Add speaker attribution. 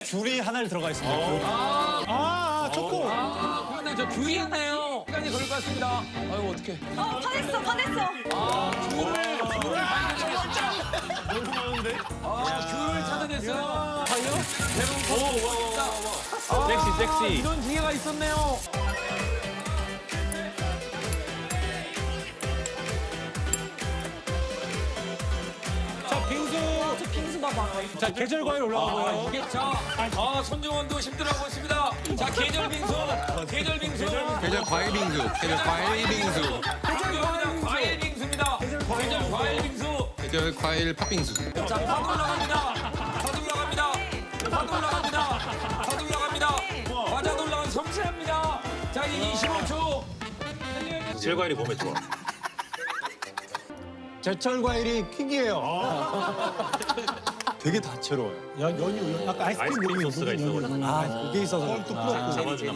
Speaker 1: 귤이 하나 들어가 있습니다. 초코.
Speaker 2: 그런데 저 귤이 있네요. 시간이 걸릴 것 같습니다. 아유 어떡해.
Speaker 3: 화냈어.
Speaker 2: 귤을 찾아냈어요. 과연?
Speaker 4: 섹시.
Speaker 2: 이런 기회가 있었네요.
Speaker 1: 자, 빙수.
Speaker 3: 저 빙수 봐봐.
Speaker 1: 자, 계절 과일 올라가고요.
Speaker 2: 이게 손정원도 힘들어하고 있습니다. 자, 계절 빙수.
Speaker 4: 계절 과일 빙수. 계절 과일 빙수.
Speaker 2: 과일 빙수입니다. 계절 과일 빙수.
Speaker 4: 계절 과일 팥빙수.
Speaker 2: 자, 파도 올라갑니다. 과자도 올라가면 섬세합니다. 자, 이제 25초.
Speaker 5: 계절 과일이 몸에 좋아.
Speaker 1: 제철 과일이 퀵이에요. 되게 다채로워요. 연유, 약간 아이스크림
Speaker 5: 아이스크림
Speaker 1: 느낌이
Speaker 5: 소스가
Speaker 1: 있거든요.
Speaker 5: 있어가지고.
Speaker 1: 그게 있어서. 또 부럽고.
Speaker 5: 잡아주나